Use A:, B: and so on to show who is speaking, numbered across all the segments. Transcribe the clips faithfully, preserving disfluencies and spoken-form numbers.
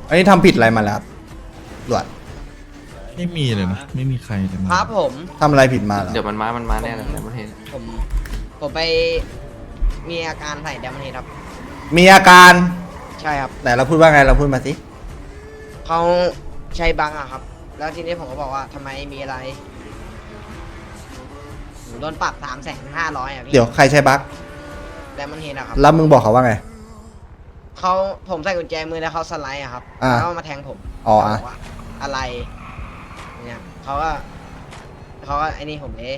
A: อันนี้ทำผิดอะไรมาแล้วครับตำรวจ
B: ไม่มีเลยนะไม่มีใครเลย
C: ครับผม
A: ทำอะไรผิดมาเหรอ
D: เดี๋ยวมันมา มันมาแน่เลยแต่ประเทศ
C: ผมผมไปมีอาการใส่แดมเฮดครับ
A: มีอาการ
C: ใช่ครับ
A: ไหนเราพูดว่าไงเราพูดมาสิ
C: เขาใช้บังอะครับ แล้วทีนี้ผมก็บอกว่าทำไมมีอะไรผมโดนปรับสามแสนห้าร้อยอะพี่
A: เดี๋ยวใครใช้บั๊ก
C: แดมเฮดอะครับ
A: แล้วมึงบอกเขาว่าไง
C: เขาผมใส่กุญแจมือแล้วเขาสไลด์อะครับ
A: อ่า
C: แล้วก็มาแทงผม
A: อ๋ออ่ะ
C: บอกว่าอะไรเนี่ยเขาก็เขาก็ไอ้นี่ผมเลย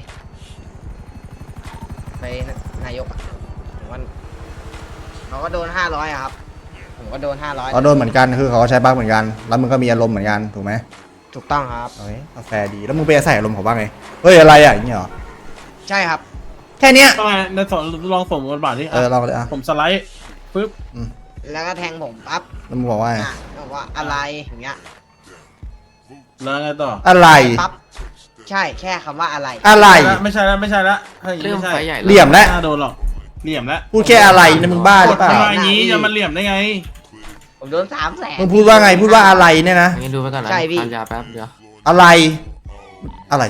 C: ไปนายกอะผมว่าเขาก็โดนห้าร้อยอะครับ ผมก็โดนห้าร้อย
A: เขาโดนเหมือนกันคือเขาก็ใช้บั๊กเหมือนกันแล้วมึงก็มีอารมณ์เหมือนกันถูกไหม
C: ถูกต้องครับ
A: เฮ้ยเอาแฟร์ดีแล้วมึงไปใส่อารมณ์เขาว่าไงเฮ้ยอะไรอ่ะอย่างเงี้ยเหรอ
C: ใช่ครับ
A: แค่เนี้ย
E: ต้องไงในสองลองสมบทบาทที่
A: เออลองเลยอ่ะ
E: ผมสไลด์ปึ๊บ
C: แล้วก็แทงผมปั๊บ
A: แล้วมึงบอกว่าไง
C: อ่ะบอกว่าอะไรอย่างเงี้ย
E: แล้วไงต่อ
A: อะไร
C: ปั๊บใช่แค่คำว่าอะไร
A: อะไร
E: ไม่ใช่แล้วไม่ใช่แล้วถ้าอย่าง
D: เริ่
E: นี้
D: ม
E: ไม่
D: ไฟ
E: ใช่
D: ใหญ่
A: เหลี่ยมแล้ว
E: น่าโดนหรอกเหลี่ยมแล้ว
A: พูดแค่อะไรเนี่ยมึงบ้าหรือเปล่า
E: ทำไมอย่างนี้จะมาเหลี่ยมได้ไง
C: ผมโดนสามแสน
A: มึงพูดว่าไงพูดว่าอะไรเนี่ยนะ
D: งั้นดูไปก่อนนะ
C: ใช่พี่
D: ทานยาแป๊บเดียว
A: อะไร อะไร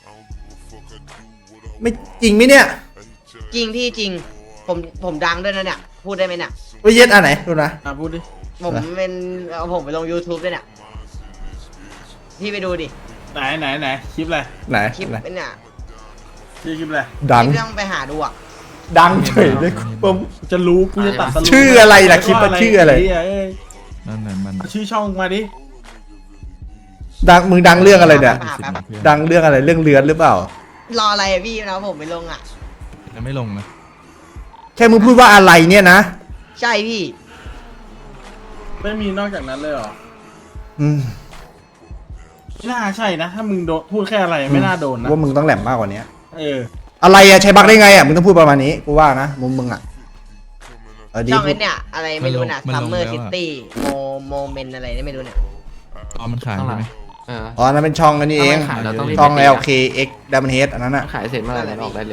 A: ไม่จริงไหมเนี่ย
C: จริงพี่จริง ผมผมดังด้วยนะเนี่ย พูดได้ไหมเนี่ย
A: ไปเย็ดอันไหนดูนะ
E: อ่ะพูดดิ
C: ผมเป็นเอาผมไปลง YouTube ด้วยเนี่ย พี่ไปดูดิ
E: ไหนไหนไหนคลิปอะไร
A: ไหน
C: คลิป
A: ไหน
C: เป็นเนี่ย
E: ชื่อคลิปอะไร
A: ดัง
C: พี่ต้องไปหาดูอ่ะ
A: ดังเฉยเลยผม
E: จะรู้กูจะตัดสรุป
A: ชื่ออะไรล่ะคลิปว่าชื่ออะไร
E: เหี้ยเอ้ย
B: นั่นนั่นมัน
E: เอาชื่อช่องมาดิ
A: ดังมึงดังเรื่องอะไรเนี่ย
C: หาแป๊บ
A: ดังเรื่องอะไรเรื่องเลือนหรือเปล่าร
C: ออะไรอะพี่นะผมไปลงอ่ะ
B: ยังไม่ลงนะ
A: แค่มึงพูดว่าอะไรเนี่ยนะ
C: ใช่พี่
E: ไม่มีนอกจากนั้นเลยเหรอ
A: อืม
E: ไม่น่าใช่นะ ถ้ามึงโดนพูดแค่อะไรไม่น่าโดนนะ
A: ว่ามึงต้องแหลมมากกว่านี้
E: เออ
A: อะไรอะใช้บักได้ไงอะมึงต้องพูดประมาณนี้กูว่านะมุมมึงอะเออดี
C: ช่อง
A: พู
C: ไอ้
A: ด
C: เนี่ย อะไรไม่รู้น่ะ Summer City โมโมเมนอะไรเนี่ยไม่รู้เนี่ย
B: อ๋อมันขาย
D: ข้างหลั
B: ใช่
D: ง
B: ไหม
D: เออ
A: อ๋อนั่นเป็นช่องอันนี้เอง
D: ถ้าไม่ขายเราต้องรีบ
A: ช่อง
D: ไปตี
A: แอ
D: นะ
A: ล เค เอ็กซ์ Diamond Head อันนั้นอะ
D: ขายเสร็จเมื่อไหร่เราออกได้เลย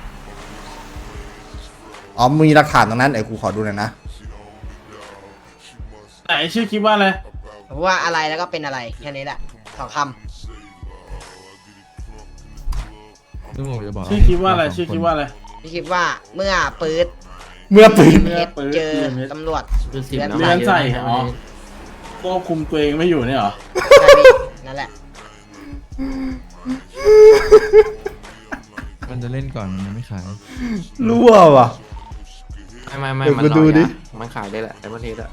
A: อ๋อมีหลักฐานตรงนั้นเดี๋ยวกูขอดูหน่อยนะ
E: ไหนชื่อคลิปว่าอะไร
C: ผมว่าอะไรแล้วก็เป็นอะไรแค่นี้แหละสองค
B: ซึ่งผมจะบอก
E: ชื่อคลิปว่าอะไรชื่อคลิปว่าอะไร
C: ำพี่คิดว่าเมื่อปื๊ด
A: เมื่อปืน
E: เมื่อ
C: เฮ็ด
E: ปื๊ด
C: เจอ
E: เมื่อ
C: ตำรวจ
D: คือสิบ
C: เลื่อน
D: แล้ว
E: ใส่อ๋อ ควบคุมตัวเองไม่อยู่เนี่ยเหรอ
C: ใช่พี่นั่นแหละ
B: มันจะเล่นก่อนมันยังไม่ขาย
A: รั่วว่ะ
D: ไม่ไม่ไม่
A: เดี๋ยว
D: มัน
A: กู
D: ร
A: ดู
D: อ
A: ดิ
D: ยามันขายได้แหละแต่ประเทศอะ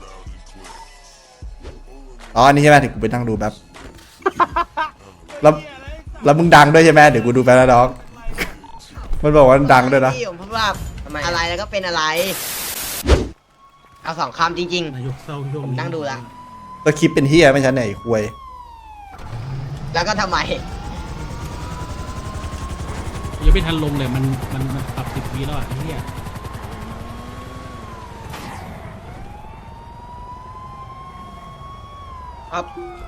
A: อ๋ออันนี้ใช่ไหมเดี๋ยวกูไปนั่งดูแป๊บแล้วแล้วมึงดังด้วยใช่ไหมเดี๋ยวกูดูแป๊บนะน้องมันบอกว่าดังด้วยนะ
C: พี่ผมพูดว่าอะไรแล้วก็เป็นอะไร เอาสองคำจริง
F: นายกเศร้าช่วง
C: ๆ
F: นี้
C: นั่งดูละ
A: แล้วคลิปเป็นเฮียไม่ใช่ไหนควย
C: แล้วก็ทำไม
F: ยังไม่ทันลงเลยมันมันมันปรับสิบปีแล้วอ่ะไอ้เนี่ย
C: ครับ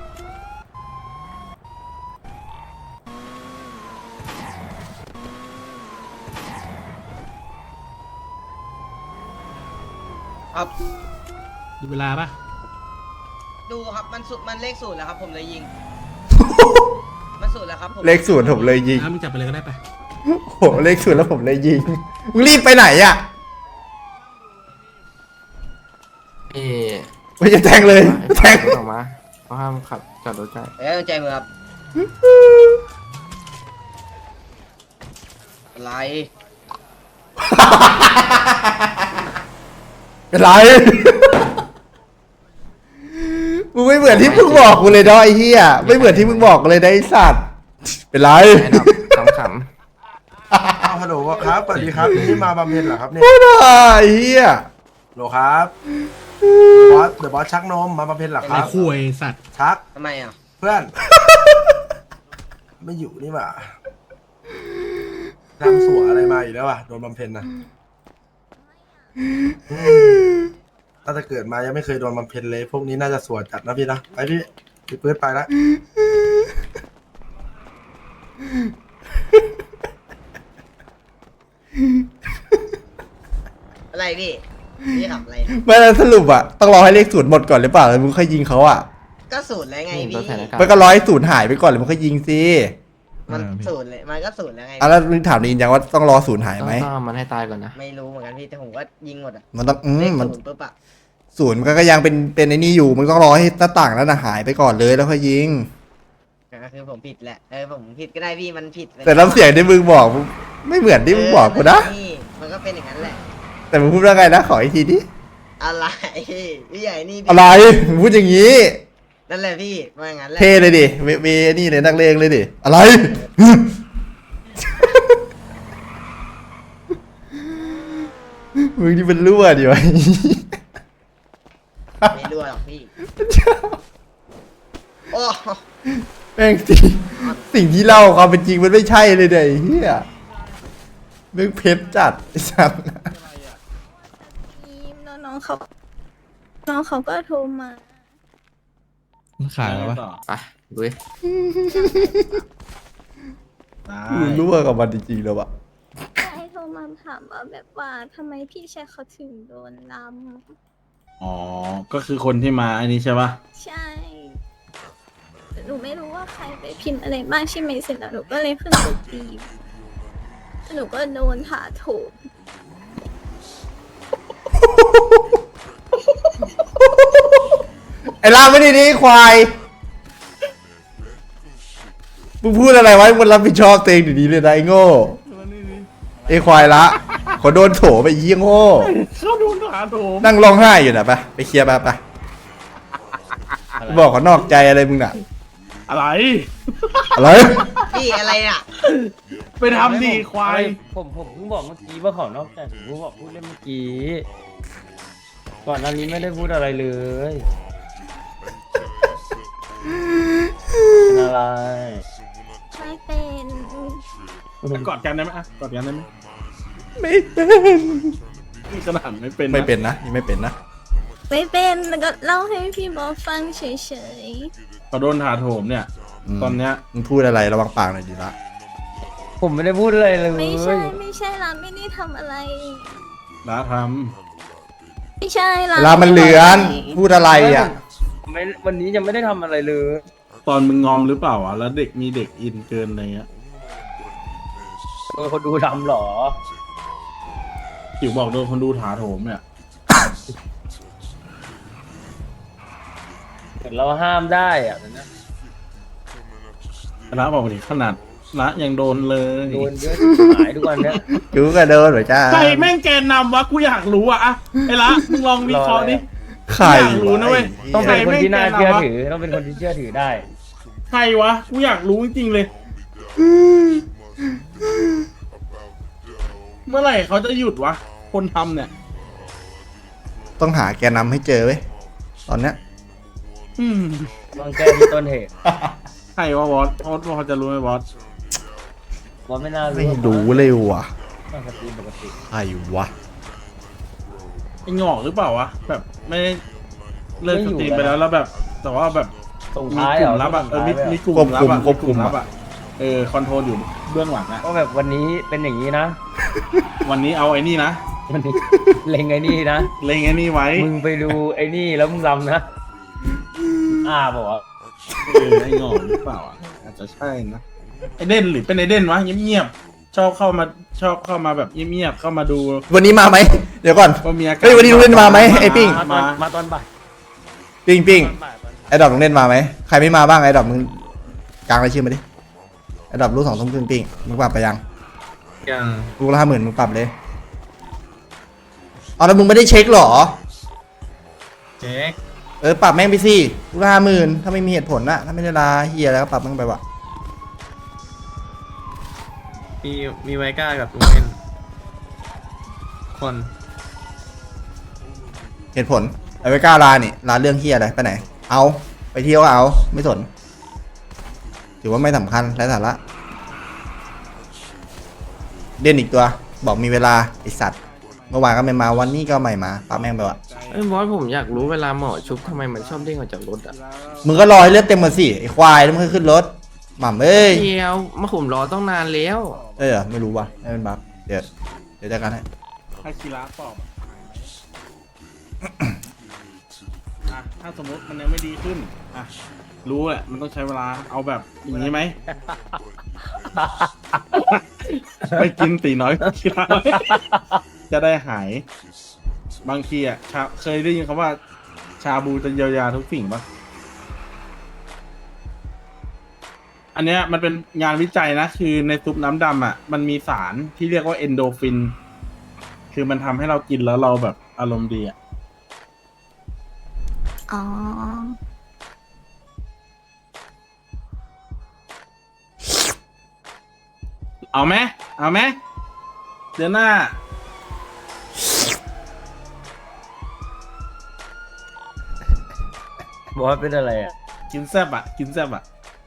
C: ครับ
F: ดูเวลาปะ
C: ดูครับมันสุดมันเลขศูนย์แล้วครับ ผมเลยยิง มันศูนย์แล้วครับผม
A: เลขศูนย์ผมเลยยิง
F: น้ำมึงจับไปเลยก็ได้ปะ
A: โหเลขศูนย์แล้วผมเลยยิงมึงรีบไปไหนอะ
D: เอ๊ะ
A: ไม่จะแทงเลยแทง
D: ออกมาเขาห้ามขับจอดรถใกล้
C: เอ้ยใจมือครับ อะไร
A: เป็นไรมึงไม่เหมือนที่มึงบอกกูเลยเนาะไอ้เหี้ยไม่เหมือนที่มึงบอกกูเลยนะไอ้สัตว์เป็นไร
D: ไม่ดอกขำ
G: อ้าวฮัลโหลครับสวัสดีครับนี่มาบำเพ็ญเหรอครับเนี่ย
A: ไม่ได้ไอ้เหี้ย
G: ฮัลโหลครับบอสเดอะบอสชักนมมาบำเพ็ญเหรอค
F: ไอ้
G: รับ
F: คุยสัตว์
G: ชัก
C: ทำไมอ่ะ
G: เพื่อน ไม่อยู่นี่หว่าทำสัวอะไรมาอีกแล้ววะโดนบำเพ็ญนะตั้งแต่เกิดมายังไม่เคยโดนบำเพ็ญเลย พวกนี้น่าจะสัวจัดนะพี่นะไปพี่พี่ปื๊ดไปละ
C: อะไรพี่พี่ขับอะไรนะ
A: ไม่แล้วสรุปอะต้องรอให้เลขศูนย์หมดก่อนหรือเปล่าแล้วมึงค่อยยิงเขาอะ
C: ก็สูตรแล้วไง
D: นี่ตัว
C: พี่
D: แทนอากาศ
A: มันก็รอให้ศูนย์หายไปก่อนแล้วมึงค่อยยิงสิ
C: มันสูตรเลยมันก็สูตรแล้วไง
A: อ่ะแล้วมึงถามดียังว่าต้องรอศูนย์หาย
D: ต้อง
A: ไหม
D: ต้องเอามันให้ตายก่อนนะ
C: ไม่รู้เหมือนกันพี่แต่ผมก็ยิงหมดอะ
A: มันต้องอื
C: เล
A: ม
C: ข
A: มัน
C: ศูนย์ปุ๊บอะ
A: ศูนย์มันก็ยังเป็นเป็นไอ้นี่อยู่มึงต้องรอให้หน้าต่างนั้นนะหายไปก่อนเลยแล้วค่อยยิง
C: ก็คือผมผิดแหละเออผมผิดก็ได้พี่มันผิดไป
A: แต่น้ำเสียงที่มึงบอกไม่เหมือนที่มึงบอกกูนะ
C: เออนี่มันก็เป็นอย่างนั้นแหละ
A: แต่มึงพูดว่าไงนะขออีกทีดิ
C: อะไรพี่ใหญ่นี่พี่
A: อะไรมึงพูดอย่างนี้
C: นั่นแหละพี่มาอย่างนั้นแหละ
A: เท่เลยดิมีมีนี่เลยนักเลงเลยดิอะไร มึงนี่เป็นรั่วดิวะ
C: ไม่รู้หรอกพี่โอ้
A: แม่งสิ่งสิ่งที่เล่าความเป็นจริงมันไม่ใช่เลยเนี่ยไอ้เฮียแม่งเพชรจัดไอ้สัส
H: แล้วน้องเขาน้องเขาก็โทรมา
B: มันขายแล้ววะ
D: ไปดูดิ
E: ได้
A: มึงรั่วกับมันจริงๆแล้วอะ
H: ใช่โทรมาถามว่าแบบว่าทำไมพี่ชายเขาถึงโดนล
E: อ๋อ ก็คือคนที่มาอันนี้ใช่ปะ
H: ำใช่แต่หนูไม่รู้ว่าใครไปพิมพ์อะไรบ้างใช่ไหมเสร็จแล้วหนูก็เลยขึ้นไปตีแล้วหนูก็โดนถาโถม
A: ไอ้ลาไม่ดีนี่ควายมึงพูดอะไรไว้มึงรับผิดชอบตัวเองดีๆเลยนะไอ้โง่ไอ้ควายละขอโดนโถไปเยี่ยงโง่
E: เขาโดนถาโถม
A: นั่งร้องไห้อยู่นะไปไปเคลียร์ไปไปบอกเขานอกใจอะไรมึงน่ะ
E: อะไร
A: อะไร
C: พี่อะไรอ่ะ
E: ไปทำดีควาย
I: ผมผมเพิ่งบอกเมื่อกี้ว่าเขานอกใจผมเพิ่งบอกพูดเล่นเมื่อกี้ ก่อนหน้านี้ไม่ได้พูดอะไรเลยเป็นอะไร
H: ไม่เป็น
E: กอดกันได้ไหมอ่ะกอดกันได้ไหม
A: ไม่เป็น
E: นี่ขนาดไม่เป็นนะ
A: ไม่เป็นนะนี่ไม่เป็นนะ
H: ไม่เป็นแล้วก็เล่าให้พี่บอสฟังเฉย
E: เขาโดนถาโถมเนี่ย ตอนเนี้ย
A: มึงพูดอะไรระวังปากหน่อยดีละ
I: ผมไม่ได้พูดอะไรเลย
H: ๆไม่ใช่ไม่ใช่เราไม่ได้ทำอะไร
E: ร้าท
H: ไม่ใช่เรา
A: เวลามันเหลือนพูดอะไรอ่ะ
I: ผมไม่วันนี้ยังไม่ได้ทำอะไรเลย
E: ำตอนมึงงอมหรือเปล่าอ่ะ แล้วเด็กมีเด็กอินเกินอะไรเงี้ย
I: โดนคนดูทำเหรอ
E: จิ๋วบอกโดนคนดูถาโถมเนี่ย
I: เห็นเราห้ามได้อะแต่นะ
E: ร้าบอกดิขนาดร้ายังโดนเลย
I: โดนเยอะหายทุกวันเนี้ย
A: กูก็โดนเหมือนกัน
E: ใครแม่งแกนนำวะ กูอยากรู้อ่ะอะไอ้ละมึงลองวิเคราะห์ดิ
A: ใคร
E: อยากรู้นะเว้ย
I: ต้องเป็นคนที่น่า
E: ใครไม่
I: เชื่อ
E: แกนนำวะ
I: ถือต้องเป็นคนที่เชื่อถือได้
E: ใครวะ กูอยากรู้จริงๆเลย เมื่อไหร่เขาจะหยุดวะ คนทำเนี่ย
A: ต้องหาแกนำให้เจอเว้ยตอนเนี้ย
E: อืม
I: ต้องแก้ที่ต้นเหตุ
E: ใครวะบอสบอสพอจะรู้ไหมบอส
I: ว่าไม่น่า
A: ไม่
I: รู้
A: รู้เลยว่ะ
I: ปกติปกติ
A: ใครวะ
E: ไอ้หงอกหรือเปล่าวะ แบบไม่ได้เลิกสตรีมไปแล้วแล้วแบบ แต่ว่าแบบ
I: ส่ง
E: มี
I: ท้าย
E: ก
I: เหร
E: ลุ่
I: อ
E: มลับอ่ะเออมีมีกลุ่ม
A: ควบ
E: ลั
A: คุ
E: บ
A: ม
E: อ่ะ
A: ควบคุม
E: มีกลุ่ลับ
A: อะ
E: อ่ะเออคอนโทรลอยู่เบื้องหลังอ่ะ
I: ก็แบบวันนี้เป็นอย่างนี้นะ
E: วันนี้เอาไอ้นี่นะ
I: วันนี้ เล็งไอ้นี่นะ
E: เล็งไอ้นี่ไว้
I: มึงไปดูไอ้นี่แล้วมึงรำนะ อ่าบอกว่า
E: เออไอ้หงอกหรือเปล่าอ่ะอาจจะใช่นะไอเด่นหรือเป็นไอเด่นวะเงียบๆชอบเข้ามาชอบเข้ามาแบบเงียบๆเข้ามาดู
A: วันนี้มาไหมเดี๋ยวก่อน
E: ว่ามีอาการ
A: เฮ้ยวันนี้ลุงเล่นมาไหมไอ้ปิ้ง
I: มาตอนมาตอนบ่าย
A: ปิ้งปิ้ง
I: ตอนบ่ายตอน
A: ไอ้ดอกลุงเล่นมาไหมใครไม่มาบ้างไอ้ดอกมึงกลางรายชื่อมาดิไอ้ดอกรู้สองทุ่มครึ่งปิ้งมึงปรับไปยัง
D: ยัง
A: ลูกละห้าหมื่นมึงปรับเลยเอาแล้วมึงไม่ได้เช็คเหรอ
D: เช็ค
A: เออปรับแม่งไปสิลูกละห้าหมื่นถ้าไม่มีเหตุผลนะถ้าไม่ได้ลาเฮียแล้วก็ปรับแม่งไปวะ
D: มีมีไวก้ากับลุงเล่นคน
A: เหตุผลไอ้ไม่กล้าลานี่ลาเรื่องเฮียอะไรไปไหน เอาไปเที่ยวก็เอาไม่สนถือว่าไม่สำคัญไร้สาระเด่นอีกตัว บอกมีเวลาไอสัตว์เมื่อวานก็ไม่มาวันนี้ก็ไม่มาปาแม่งไปวะ
D: เอ้ยบอสผมอยากรู้เวลาหมอชุบทำไมมันชอบเด้งออกจากรถอ่ะ
A: มึงก็รอให้เลือดเต็มมาสิไอควายแล้วมึงค่อยขึ้นรถหม่ำเอ้ย
D: เดียวมาผมรอต้องนานแล้ว
A: เอ้ยเหรอไม่รู้ว่ะไม่เป็นบัฟเดี๋ยวเดี๋ยวจัดการให้
E: ให้คีราปอบอ่ะถ้าสมมติมันยังไม่ดีขึ้นอ่ะรู้แหละมันต้องใช้เวลาเอาแบบอย่างนี้ไหม ไปกินตีน้อยทีละจะได้หาย บางทีอ่ะชาเคยได้ยินคำว่า ชาบูจะเยียวยาทุกสิ่งปะอันเนี้ยมันเป็นงานวิจัยนะ คือในซุปน้ำดำอ่ะ มันมีสารที่เรียกว่าเอนโดฟิน คือมันทำให้เรากินแล้วเราแบบอารมณ์ดีอ่ะ
H: อ๋อ
E: เอาไหมเอาไหมเดือนหน้า
I: บอสเป็นอะไรอ่ะ
E: กินแซบอ่ะ กินแซบอ่ะ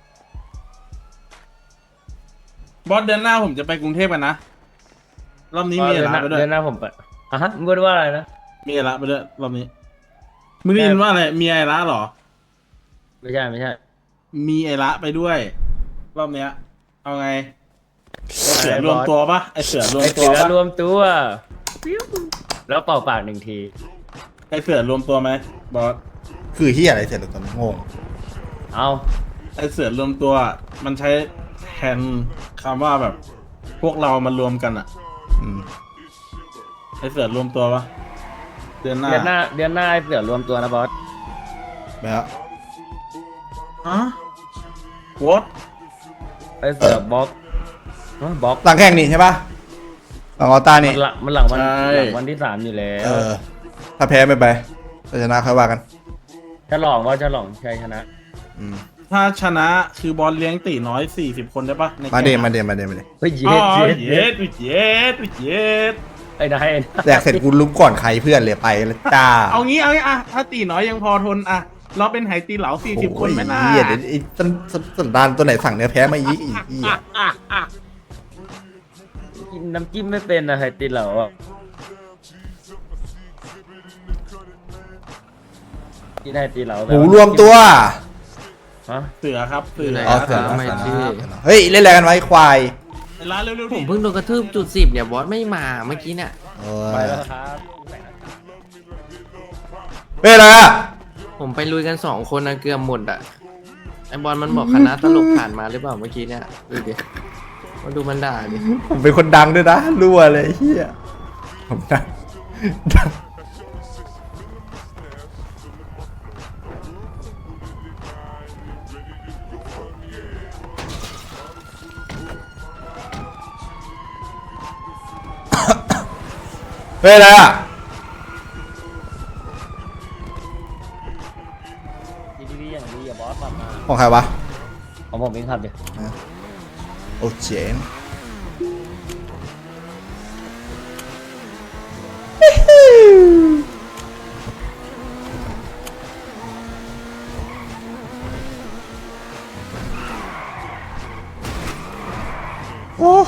E: บอสเดือนหน้าผมจะไปกรุงเทพกันนะ รอบนี้มี
I: เดื
E: อะ
I: อนห
E: ไร
I: น้า
E: ไปด้วย
I: เดือนหน้าผมไปอ่ะฮะมึงพูดว่าอะไรนะ
E: มีอะไรไปด้วยรอบนี้มึงได้ยินว่าอะไร มีไอระเหรอ
I: ไม่ใช่ไม่ใช่
E: มีไอระไปด้วย รอบเนี้ย เอาไงไอเสือรวมตัวปะไอเสือรวม
I: ไอ
E: ตั
I: เสื
E: ว
I: อ
E: ปะ
I: รวมตัวแล้วเป่าปากหนึ่งที
E: ไอเสือรวมตัวไหมบอส
A: คือเฮียอะไรเสร็จแล้วตอนนี้งง
I: เอา
E: ไอเสือรวมตัว มันใช้แทนคำว่าแบบ พวกเรามารวมกันอะ
A: อืม
E: ไอเสือรวมตัวปะเดือนหน้า
I: เดือนหน้าเดือนหน้าไอเสือรวมตัวนะบอส
A: แล้ว
E: ฮะวอต
I: ไอเสือบล็อกฮะบล็อก
A: หลังแข่งนี่ใช่ปะหลังออต้านี่
I: มันหลังมันหลังวันหลังวันที่สามอยู่แล้
A: เอ
I: ว
A: อ ถ้าแพ้ไม่ไปถ้าชนะค่อยว่ากัน
I: ฉลองว่าฉลองชัยชนะ
A: อืม
E: ถ้าชนะคือบอลเลี้ยงตีน้อยสี่สิบคนได้ปะใน
A: มาเด
E: แข่ง
A: มาเดมาเดมาเด
I: เฮ้ย
E: อ๋
I: เย็
E: อ
I: ดเย็ด
E: เย็ดเย็ดเย็ด
I: ไอ้นาย
A: แดกเสร็จกูลุกก่อนใครเพื่อนเลยไปเลยจ้า
E: เอางี้เอางี้อะถ้าตีน้อยยังพอทนอะเราเป็นไหตีเหลาสี่สิบคนไหมน่า
A: โอ้ยเหี้ยเดี๋ยวไอ้สันสันสันดานตัวไหนสั่งเนื้อแพ้มาอีกอีกอีก
I: กินน้ำจิ้มไม่เป็นนะไฮติเหลาอ่ะกินไฮติเหลา
A: หมูรวมตัว
I: ฮะ
E: เสือครับเสือ
A: อ๋อเสือ
B: ทำไมชื่อ
A: เฮ้ยเล่นอะไรกันไว้ควาย
E: ร้านเร็วๆ
B: ผ
E: ดิ
B: มเพิ่งโดนกระทืบจุดสิบเนี่ยบอสไม่มาเมื่อกี้เนี่ย
A: เอ
I: ไป
A: อ
I: แล้วครับ
A: เฮ้ยอะไรอะ
B: ผมไปลุยกันสองคนนะเกือบหมดอ่ะไอบอลมันบอกคณะตลกผ่านมาหรือเปล่าเมื่อกี้เนี่ยดูดิมาดูมันด่าดิ
A: ผมเป็นคนดังด้วยนะรั่วเลยเฮียผมดังดังเฮ้ยอะไรอะ
I: ดีดีอย่างดีอย่าบอสขับมา
A: ของใครวะ
I: ของผมเองครับเดี๋ยว
A: โอ้เจ๋งโอ้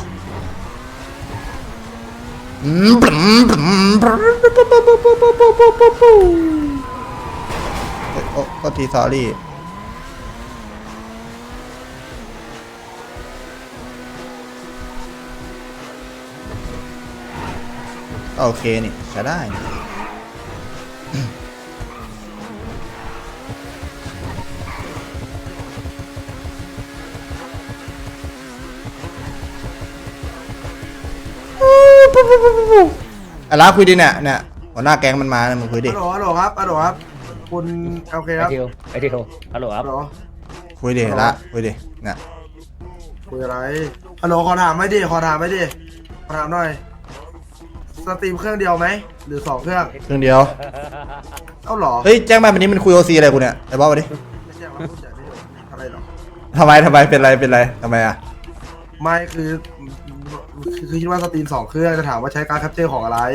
A: อืมปรึมปรึมปรึมปุ๊บปุ๊บปุ๊บปุ๊บปุ๊บปุ๊บปุ๊บปุ๊บเฮ้ยโอ้ก็ทีสอรี่โอเคนี่ใช้ได้นี่อะไรคุยดิเนี่ยเนี่ยหัวหน้าแก๊งมันมาเนี่ยมึงคุยดิ
G: ฮัลโหลฮัลโหลครับฮัลโหลครับ คุณโอเค
I: ไอ
G: ครับ
I: ทิวไอทิวฮัลโหลค
G: ฮั
I: รับ
G: ลโหล
A: คุยดิละคุยดิเนี่ย
G: คุยอะไรฮัลโหลขอถามไม่ดิขอถามไม่ดิขอถามหน่อยสตรีมเครื่องเดียวไหมหรือสองเครื่อง
A: เครื่องเดียว
G: เอ้าเหรอ
A: เฮ้ยแจ้งมาวันนี้มันคุยโอซีอะไรกูเนี่ยไอ้บอสมาดิ
G: ไม่ใช่ว่าพูดใหญ่ไม่ถูกอะไรหรอ
A: ทำไมทำไมเป็นไรเป็นไรทำไมอ่ะ
G: ไม่คือคือคือคิดว่าสตรีมสองเครื่องจะถามว่าใช้การ์ดแคปเจอร์ของอะไร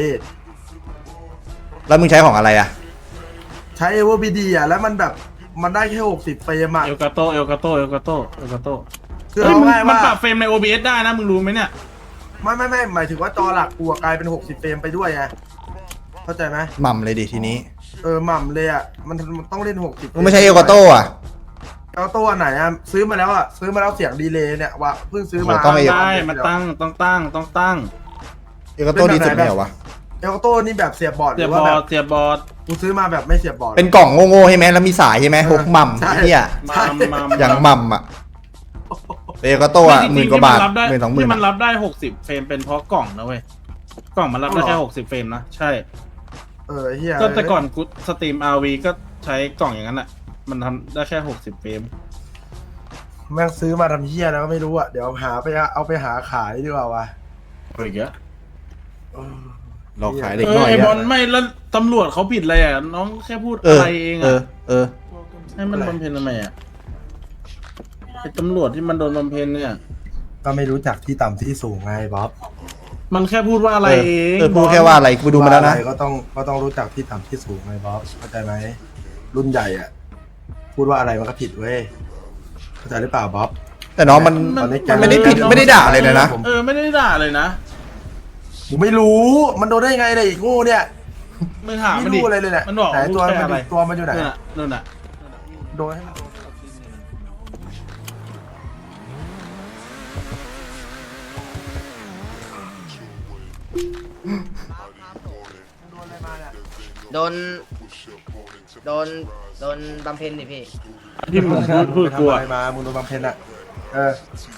A: แล้วมึงใช้ของอะไรอ่ะ
G: ใช้เอเวอร์บีดีอ่ะแล้วมันแบบมันได้แค่หกสิบเฟรมอ่ะ
E: เอลกาโตเอลกาโตเอลกาโตเอลกาโต
G: คือ
E: เฮ้ย
G: เอา
E: มัน
G: ง่าย
E: มัน
G: ว่า
E: ปรับเฟรมใน โอ บี เอส ได้นะมึงรู้ไหมเนี่ย
G: ไม่ไม่ไม่หมายถึงว่าจอหลักกูอะกลายเป็นหกสิบเฟรมไปด้วยไงเข้าใจไหม
A: หม่ำเลยดิทีนี้
G: เออหม่ำเลยอ่ะมันมันต้องเล่นหกสิบ
A: มึงไม่ใช่เอลกาโต้อ่ะ
G: เอลกาโต้อันไหนอ่ะซื้อมาแล้วอ่ะซื้อมาแล้วเสียงดีเลย์เนี่ยว่าเพิ่งซื้อมา
A: โอ้ต้องเอ
E: ได้มันตั้งต้องตั้งต้องตั้ง
A: เอลกาโต้ดีสุดไม่เหรอวะ
G: เอลโต้นี่แบบเสียบบอร์ดห
E: เสี
G: รื
E: ยบ
G: อว่า
E: อ
G: แบ
E: ร์ด
G: บ
E: เสียบบอร์ด
G: กูซื้อมาแบบไม่เสียบบอร์ด
A: เป็นกล่องโง่ๆใช่ไหมแล้วมีสายใช่ไหมหกหม่ำ
G: ใช่
A: ไอ้เนี่ย
E: มามา
A: อย่างหม่ำอ่ะเอกโต้อะหมื่นกว่าบาท
E: ที่
A: หมื่นสองหมื่น
E: ที่มันรับได้หกสิบเฟรมเป็นเพราะกล่องนะเว้ยกล่องมันรับได้แค่หกสิบเฟรมนะใช่
G: เออเฮีย
E: ก็แต่ก่อนกูสตรีม อาร์ วี ก็ใช้กล่องอย่างนั้นแหละมันทำได้แค่หกสิบเฟรม
G: แม่งซื้อมาทำเฮียแล้วก็ไม่รู้อ่ะเดี๋ยวหาไปเอาไปหาขายดีกว่าวะ
E: อะไรอย่างเงี้ย
G: เออ
A: หลอกขายเด็ก
E: เอ
A: น้
E: อ
A: อย
E: ไอบอ
A: อะ
E: ลไม่แล้วตำรวจเขาผิดอะไรอ่ะน้องแค่พูด
A: เออ
E: อะไรเอง
A: เออ
E: อ่ะ
A: เออ
E: ให้มันบำเพ็ญทำไมอ่ะไอตำรวจที่มันโดนบำเพ็ญเนี่ย
G: ก็ไม่รู้จักที่ต่ำที่สูงไงบ๊อบ
E: มันแค่พูดว่าอะไรเอง
A: เออพูดแค่ว่าอะไรกูดูมาแล้วนะ
G: อไรก็ต้องก็ต้องรู้จักที่ต่ำที่สูงไงบ๊อบเข้าใจไหมรุ่นใหญ่อ่ะ พูดว่าอะไรมันก็ผิดเว้ยเข้าใจหรือเปล่าบ๊อบ
A: แต่น้องมัน
G: ตอนนี้
A: มันไม่ได้ผิดไม่ได้ด่าเลยนะนะ
E: เออไม่ได้ด่าเลยนะ
G: ผมไม่รู้มันโดนได้ยังไงเลยอีกโง่เนี่ย
E: ไม่ถาม
G: ไม่
E: มันดิ
G: รู้อะไรเลยเนี่ย
E: มันบอก
G: ไหนตัว
E: พูด
G: มัน
E: แค่อะไร
G: อยู่ตัวมันอยู่ไหน
E: นู่นน่ะนู่นน่ะ
G: โดนให้มันโดนโดนอะไรมาเนี่ย
C: โดน โดน โดนบำเพ็ญดิพี่
E: ที่มึงพูดพูด
G: ไป
E: กลัว
G: ทำอะไรมามึงโดนบำเพ็ญอ่ะเออ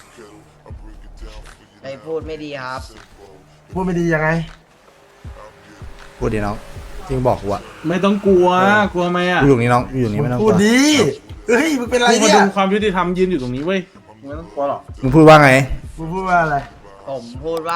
C: ไปพูดไม่ดีครับ
G: พูดไม่ดียังไง
A: พูดดีน้องจริงบอกกูอะ
E: ไม่ต้องกลัวกลัวไหมอ่ะ
A: กูอยู่ตรงนี้น้องกูอยู่ตรงนี้ไม่ต้องก
G: พู
A: ลั
G: ด
A: ว
G: ดีเฮ้ยมึงเป็นไร
E: กูมา
G: เนี่ย
E: ดูความยุติธรรมยืนอยู่ตรงนี้เว้ยไม่ต้องกลัวหรอก
A: มึงพูดว่าไง
G: มึงพูดว่าอะไร
C: ผมพูดว่า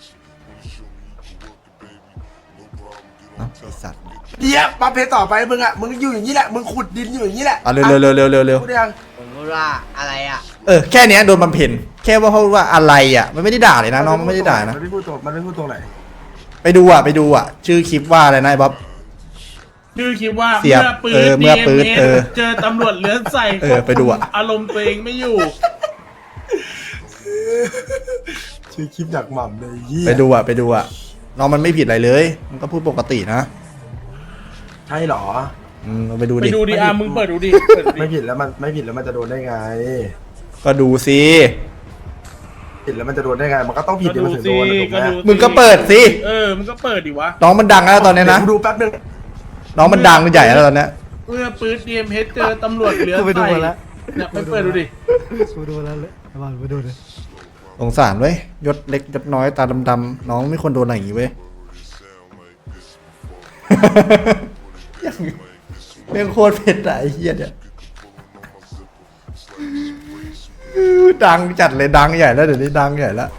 A: เอ้าไอ้สัตว์
G: เดี๋ยวมาเพลต่อไปมึงอ่ะมึงอยู่อย่างนี้แหละมึงขุดดินอยู่อย่างนี้แหละ
A: เอาเร็วเร็วเร็วเร็วเร็วเร็ว
G: พูดยัง
C: ผมพูดว่าอะไรอ่ะ
A: เออแค่เนี้ยโดนบำเพ็ญแค่ว่าเขาว่าอะไรอ่ะมันไม่ได้ด่าเลยนะน้องมันไม่ได้ด่านะ
G: มันไม่พูดตรงมันไม่พูดตรงไหน
A: ไปดูอ่ะไปดูอ่ะ ชื่อคลิปว่าอะไรนะไอ้บ๊อบ
E: ชื่อคิดว่า
A: เสียบ
E: ปืน
A: เออเมื่อปืน
E: ดี
A: เอ
E: เอ็ม
A: อ
E: เจอตำรวจเลือนใส่
A: เออไปดูอะ
E: อารมณ์ตัวเองไม่อยู่
G: ชื่อคลิปอยากหม่ำเลยยี่
A: ไปดูอ่ะไปดูอ่ะน้องมันไม่ผิดอะไรเลย มันก็พูดปกตินะ
G: ใช่เหรอ
A: อืมไปดู
E: ไป
A: ดิ
E: ดูดิอ่ะมึงเปิดดูดิเปิดดู
G: ไม่
E: ดิ
G: ผิดแล้วมันไม่ผิดแล้วมันจะโดนได้ไง
A: ก็ดูสิ
G: ผิดแล้วมันจะโดนได้ไง มันก็ต้องผิด
E: ก็
G: เดี๋ยว
E: ดู
G: มันถึง
E: สิ
G: โดนถูกไห
E: ก็
G: ม
E: ดู
A: มึงก็เปิดสิ
E: เออมึงก็เปิดดิวะ
A: น้องมันดังแล้วตอนเนี้ยนะ
G: เดี๋ยวกูดูแป๊บนึง
A: น้องมันดังใหญ่แล้วตอนเนี้ย
E: เมื่อปืนดีเอ็มเจอตำรวจเลือน
F: ไปดู
E: ใส่
F: มาแล้ว
E: เนี่ยไปเปิดดูดิ
F: กูดูแล้วเลยมาไปดูเลย
A: สงสารเว้ยยศเล็กยศน้อยตาดำๆน้องไม่ควรโดนอะไรอย่างงี้เว้ย ยังเรื่องโคตรเผ็ดอะไอ้เหี้ยเนี่ยดังจัดเลยดังใหญ่แล้วเดี๋ยวนี้ดังใหญ่แล้ว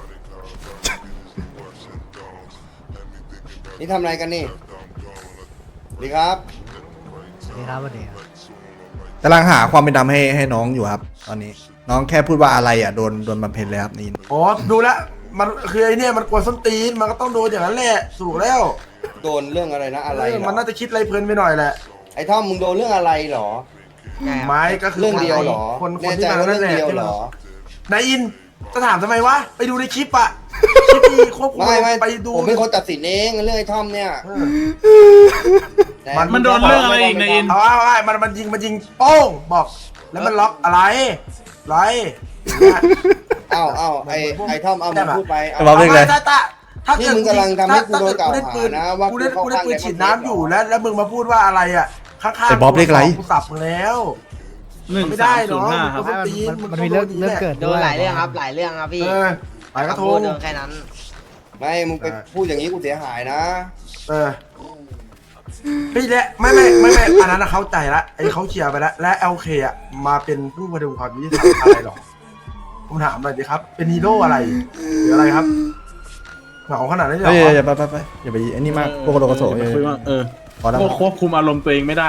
J: นี่ทำอะไรกันนี่ดีครับ
F: นี่ครับวันนี้
A: กำลังหาความเป็นดำให้ให้น้องอยู่ครับ ตอนนี้ น้องแค่พูดว่าอะไรอ่ะโดนโดนบำเพ็ญเลยครับนี่
G: อ๋อดูแล้วมันคือไอเนี่ยมันกวนส้นตีนมันก็ต้องโดนอย่างนั้นแหละถูกแล้ว
J: โดนเรื่องอะไรนะอะไร
G: เออ
J: เหร
G: มัน
J: อ
G: น่าจะคิดอะไรเพลินไปหน่อยแหละ
J: ไอ้ท่อมมึงโดนเรื่องอะไรเหรอ
G: ไม้ก็คือ
J: เรื่องเดียวเหรอ
G: คนค
J: แน่
G: น
J: ใจ
G: ที่มา
J: ว่า
G: นั่
J: เรื่อน ง
G: แหละ
J: เดียว
G: ที่
J: เหร
G: มา
J: อน
G: ายอินจะถามทำไมวะไปดูในคลิปอะคลิปที่ควบคุม
J: ไม่ไม่
G: ไปดู
J: ผมเป็นคนตัดสินเองเรื่องไอ้ท่อมเนี่ย
G: เออ
J: แต่
E: มันโดนเรื่องอะไรอีกในอิน
G: เอาเอาเอามันมันยิงมันยิงโป้งบอก แล้วมันล็อกอะไรไรอย่างเงี้ย
J: เอ้าเอ้าไอ้ไอ้ท่อมเอามึงพูดไป
A: ไอ้
J: เอา
A: บ๊อบเรียกเลย
G: ถ้าถ้าถ้า
J: นี่
G: เกิด
J: มึงกำลังทำให้กูโดนกล่าว
G: ถ้
J: หา
G: เด
J: นะว่า
G: กูเล่น
J: กู
G: กูเล่น
J: เข้าข้าง
G: ปืนฉีด
J: ในประเทศ
G: น้ำอยู่
J: เหรอ
G: แล้วแล้วมึงมาพูดว่าอะไรอ่ะข้างๆ
A: ไอ้บ๊อบเรียกอะไร
G: กูสับมึงแล้ว
E: หนึ่ง
G: ไม่
E: สา
G: ได้
E: มศูนย์ห้า
G: เน
E: ค
G: อะ
E: รับ
F: มันมีเรื่องเรื่องเกิด
C: โดนหลายเรื่องครับ หลายเรื่องครับพี่
G: เออไปกระท
C: พู
G: ง
C: ดเรื่องแค่นั้น
J: ไม่มึงไปพูดอย่างนี้กูเสียหายนะ
G: เออพี่และไม่ไม่ไม่ไม่อันนั้นนะเข้าใจละไอ้เขาเคลียร์ไปแล้วและเอลเคอ่ะมาเป็นผู้พดุงความยุติธรรมอะไรหรอผมถามหน่อยดิครับ เป็นฮีโร่อะไรหรืออะไรครับเหงาขนาดนั้นเลยเหร
A: เฮ้ย
G: อ
A: อย่าไปไปไปอย่าไปไอ้นี่มากพวกโลกโส
E: เออคุยว่าเออ
A: พอแล้ว
E: ก็ควบคุมอารมณ์ตัวเองไม่ได้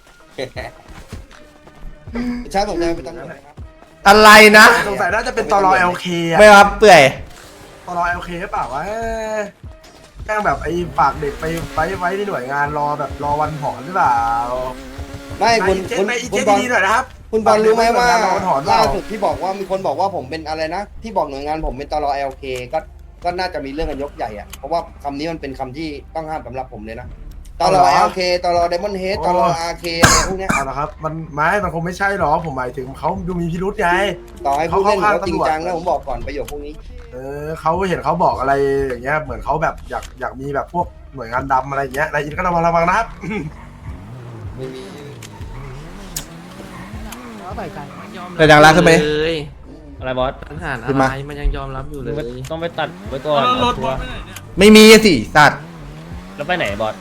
J: ชาติสนใจเป็นตำรวจไหมครับ
A: อะไรนะ
G: สงสัยน่าจะเป็นตลอเอลเคอ่ะ
A: ไม่ครับเปื่อย
G: ตลอเอลเคหรือเปล่าวะแกล้งแบบไอ้ฝากเด็กไปไว้ไว้ที่หน่วยงานรอแบบรอวันถอนหรือเปล่า
J: ไม่คุณ
G: เจ๊
J: คุณ
G: ไปอี
J: คุ
G: เจ๊
J: ณบอล
G: ดีหน่อยนะครับ
J: คุณบอลรู้ไหมว่า
G: ฝกเด็กไว้หน่ยงนรอวันถอนเป
J: ล่า
G: ล่า
J: สุดที่บอกว่ามีคนบอกว่าผมเป็นอะไรนะ ที่บอกหน่วยงานผมเป็นตลอ แอล เค ก็ก็น่าจะมีเรื่องกันยกใหญ่อะเพราะว่าคำนี้มันเป็นคำที่ต้องห้ามสำหรับผมเลยนะตลอ แอล เค ตลอ ไดมอนด์เฮด ตลอ อาร์ เค อะไรพวกเนี้ย
G: เอาละครับมันไม่มันคงไม่ใช่หรอกผมหมายถึงเขาดูมีพิรุษไง
J: ต่อให้ผู้เล่น
G: เขาเข้า
J: เขาจริงจัง
G: ข้างตำรวจ
J: นะผมบอกก่อนประโยคพวกนี้
G: เออเขาเห็นเขาบอกอะไรอย่างเงี้ยเหมือนเขาแบบอยากอยากมีแบบพวกหน่วยงานดำอะไรอย่างเงี้ยนายอินก็ระวังระวังนะครับ
J: ไม่มี
A: แต่ดังร้านขึ้นไป
B: เลย
I: อะไรบอส
B: ปัญหา
A: ขึ้
B: อะ
A: น
B: ไร
A: มา
B: มันยังยอมรับอยู่เล
I: มึง
B: ย
I: ต้องไปตัดไว้ก่อน
E: แล้วรถ
I: เอา
E: บ
I: ตั
E: อ
I: ว
E: สไปไหนเนี่ย
A: ไม่มีอะสิสัตว์
I: แล้วไปไหนบอส